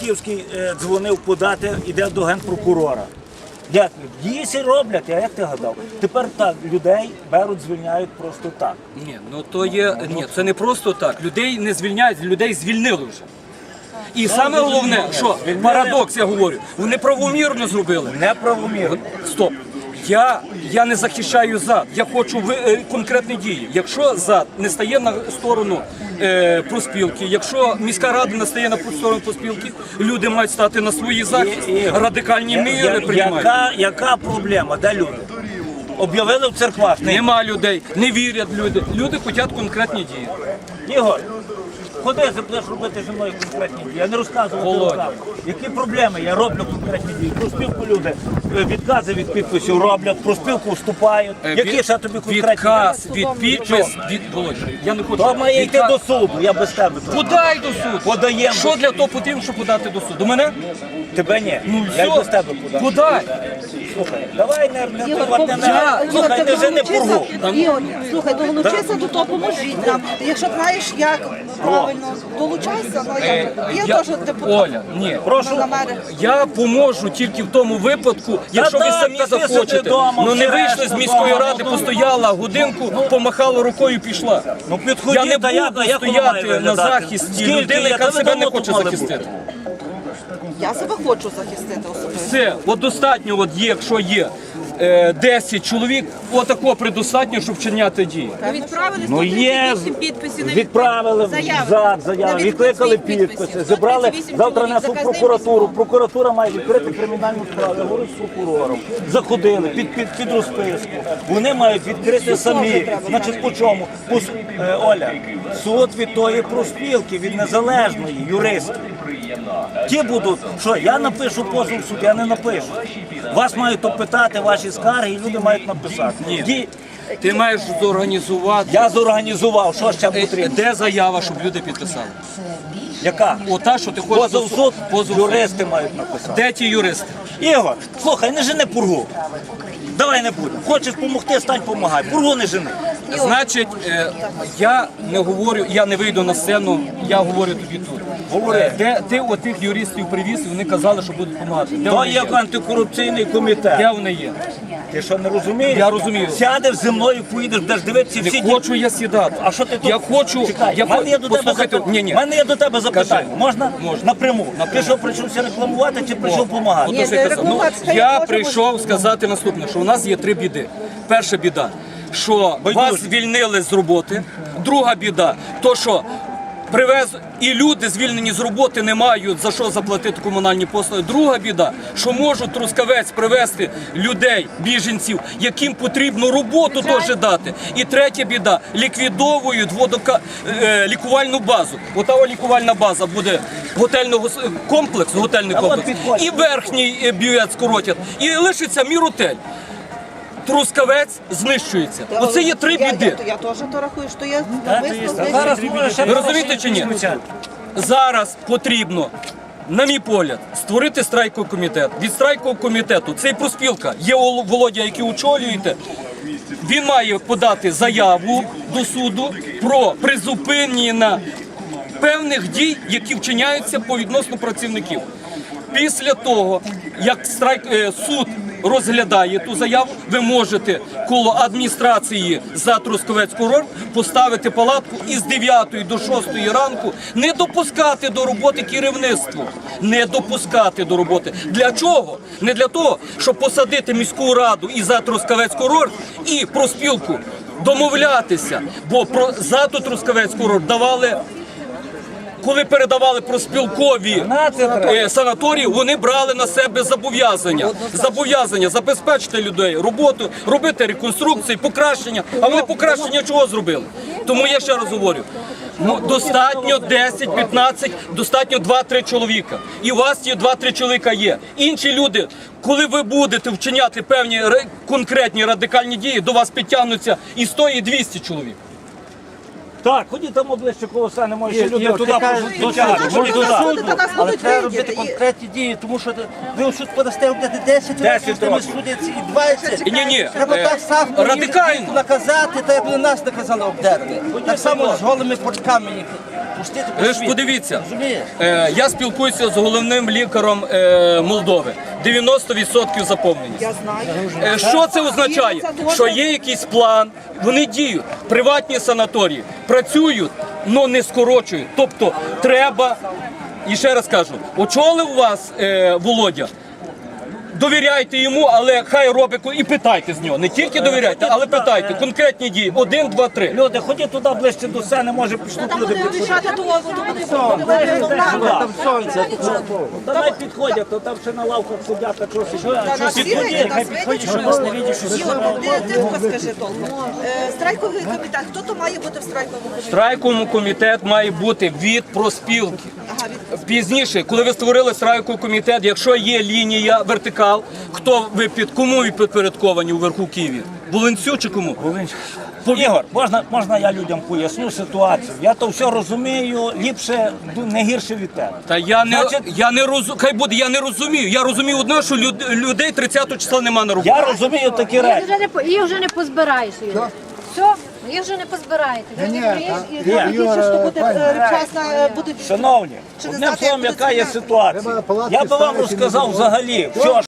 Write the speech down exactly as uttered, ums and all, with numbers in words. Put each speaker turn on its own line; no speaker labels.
Франківський е, дзвонив подати, іде до генпрокурора. Як? Дійсно роблять, а як ти гадав? Тепер так, людей беруть, звільняють просто так.
Ні, ну то є, ні, це не просто так. Людей не звільняють, людей звільнили вже. І саме головне, що парадокс, я говорю, вони правомірно зробили.
Неправомірно.
Стоп. Я, я не захищаю ЗАД, я хочу ви, е, конкретні дії. Якщо ЗАД не стає на сторону е, профспілки, якщо міська рада не стає на сторону профспілки, люди мають стати на свої захист, радикальні міри приймають.
Яка, яка проблема? Де люди? Об'явили в церквах. Не...
Нема людей, не вірять люди. Люди хочуть конкретні дії.
Ігор, ходи, будеш робити зі мною конкретні дії. Я не розказував.
Володя.
Які проблеми? Я роблю конкретні дії. Про спілку люди е, відкази від підписів роблять, про спілку вступають.
Е,
Які
від-
ще тобі конкретні
Відказ від підпис, від Володя, я не хочу.
То має йти
Відказ-
до суду, я без тебе.
Подай до суду.
Подаємо.
Що для того потрібно, щоб подати до суду? Мене?
Тебе ні.
Ну
я й
все.
без тебе подам.
Подай.
Слухай, давай не, не,
Ігор,
не, не,
Я-
не, слухай, не жени пургу.
Ігор, слухай, долучися до того, поможіть нам. Якщо знаєш, як правильно, долучайся. Ну, я,
Е,
я
я-
теж депутат.
Оля, ні.
Прошу.
На мене.
Я поможу тільки в тому випадку, якщо ви
так,
самі
та ти сиди
захочете.
вдома,
Ну не
все
вийшли
решта
з міської
вдома,
ради,
ну,
постояла годинку, помахала рукою і пішла.
Ну
Я
підходи,
не
та як,
буду
як воно має
стояти на
виглядати?
захисті
Скільки
людини,
є?
яка
Та
себе не
давно
хоче
тут мали
захистити.
бути.
Я себе хочу захистити особисто.
Все, от достатньо, от є, якщо є е, десять чоловік, отако предостатньо, щоб вчиняти дії.
Ви відправили
Ну є,
сто тридцять вісім підписів на
відправили
заяви.
зад, заяви,
На
відкликали
відсутність
підписи,
підписів.
зібрали,
сто тридцять вісім
завтра
чоловік,
несуть
заказним
прокуратуру,
письмом.
прокуратура має відкрити кримінальну справу, я говорю з прокурором, заходили під, під, під розписку, вони мають відкрити самі, значить по чому? По, с- е, Оля, суд від тої профспілки, від незалежної юристів. Ті будуть, що я напишу позов в суд, я не напишу. Вас мають опитати ваші скарги і люди мають написати.
Ні.
Ті-
Ти маєш зорганізувати.
Я зорганізував, що ще
Е,
потрібно.
Де заява, щоб люди підписали?
Яка?
Ота, що ти хочеш.
Позов в суд,
Позов в суд.
юристи мають написати.
Де ті юристи?
Ігор, слухай, не жени пургу. Давай не будемо. Хочеш допомогти, стань помагай. Пургу не жени.
Значить, е, я не говорю, я не вийду на сцену, я говорю тобі тут.
Говори.
Де ти отих юристів привіз, і вони казали, що будуть допомагати. Де
То
вони
є
є?
антикорупційний комітет.
Де вони є?
Ти що, не розумієш?
Я розумію.
Сядеш зі мною, поїдеш, будеш дивитися всі
Не
ті-
хочу я сідати.
А що ти тут?
Я хочу,
Чекай,
я
в мене є до тебе
послухайте,
запитання.
ні, ні.
В мене є до тебе запитання.
Кажи.
Можна?
Можна.
Напряму. Ти що, прийшовся рекламувати чи прийшов допомагати?
От що я казав. Ну,
рекламувати, хай
я
може
прийшов сказати наступне, що у нас є три біди. Перша біда, що
Байдуже.
вас звільнили з роботи. Друга біда, то що привез і люди звільнені з роботи не мають за що заплатити комунальні послуги. Друга біда, що можуть Трускавець привезти людей, біженців, яким потрібно роботу теж дати. І третя біда, ліквідовують водока... е, лікувальну базу. Ота о лікувальна база буде готельного с- комплекс, готельний
А от
комплекс,
підходь.
і верхній е, бювет скоротять, і лишиться міротель. Трускавець знищується. Оце є три
Я-
біди.
Я, я теж то рахую, що я
Та
навмисно
ти-
десь-
Зараз може ще
Ви розумієте чи ні?
звучати.
Зараз потрібно, на мій погляд, створити страйковий комітет. Від страйкового комітету цей профспілка, є Ол- Володя, який очолюєте, він має подати заяву до суду про призупинення певних дій, які вчиняються по відносно працівників. Після того, як страйк, е, суд розглядає ту заяву, ви можете коло адміністрації за Трускавець курорт поставити палатку і з дев'ятої до шостої ранку не допускати до роботи керівництво. Не допускати до роботи. Для чого? Не для того, щоб посадити міську раду і за Трускавець курорт і профспілку домовлятися, бо про за Трускавець курорт давали. Коли передавали профспілкові е, санаторії, вони брали на себе зобов'язання. Зобов'язання забезпечити людей роботу, робити реконструкції, покращення. А вони покращення чого зробили? Тому я ще раз говорю, ну, достатньо десять-п'ятнадцять, достатньо два-три чоловіка. І у вас є два-три чоловіка є. Інші люди, коли ви будете вчиняти певні ре- конкретні радикальні дії, до вас підтягнуться і сто, і двісті чоловік.
Так, ходіть там обличчя коло сани, може ще люди
Ігор,
туди
ти кажеш,
пошуть
до
дівчата.
суду.
Ходіть
До
туди.
суду. Та нас
Але
будуть
треба
видіти.
робити конкретні дії, тому що ви в суд подасте робити десять
десять
років, з ними
років.
судяться і двадцять.
Ні, ні,
Треба так само їх
радикально.
наказати, так як вони нас наказали обдерли. Так само з голими почками їх пустити по
Ви ж
світу.
подивіться,
Розумієш?
е, я спілкуюся з головним лікарем е, Молдови. дев'яносто відсотків заповненість.
Я знаю.
Е, Що це означає? Що є якийсь план, вони діють. Приватні санаторії працюють, але не скорочують. Тобто треба, і ще раз кажу, очолив вас е, Володя. Довіряйте йому, але хай робить і питайте з нього. Не тільки довіряйте, але питайте. Конкретні дії. Один, два, три.
Люди, ходіть туди ближче до сцени, може пішлють
Там
люди
буде
підходять.
рішати довго, то буде видно.
Там сонце.
Давай підходять, то там ще на лавках сидять, а щось.
Та нас
Підходять,
сіли,
хай
нас
підходять,
видять,
що
що
нас не видять, що
Ігор, ти ти тако скажи толком. Е, Страйковий комітет, хто то має бути в страйковому комітеті?
Страйковий комітет має бути від профспілки.
Ага, від
Пізніше, коли ви створили страйковий комітет, якщо є лінія вертикал, хто ви під кому ви підпорядковані у верху Києві? Волинцю чи кому?
Ігор, можна, можна я людям поясню ситуацію? Я то все розумію, ліпше, не гірше від тебе.
Та я не
Значить-
я не розу... хай буде, я не розумію. Я розумію одне, що люд... людей тридцятого числа нема на роботі.
Я розумію такі
Їх
речі.
вже не по- їх вже не позбираєш. Юрій. Все, їх вже не позбираєте. Ви не приїж і
Я більше, що буде е, вчасно, е, будуть
Шановні,
Чи не
одним
знати,
словом,
як
яка є
буде
ситуація. Я би вам розказав взагалі, все,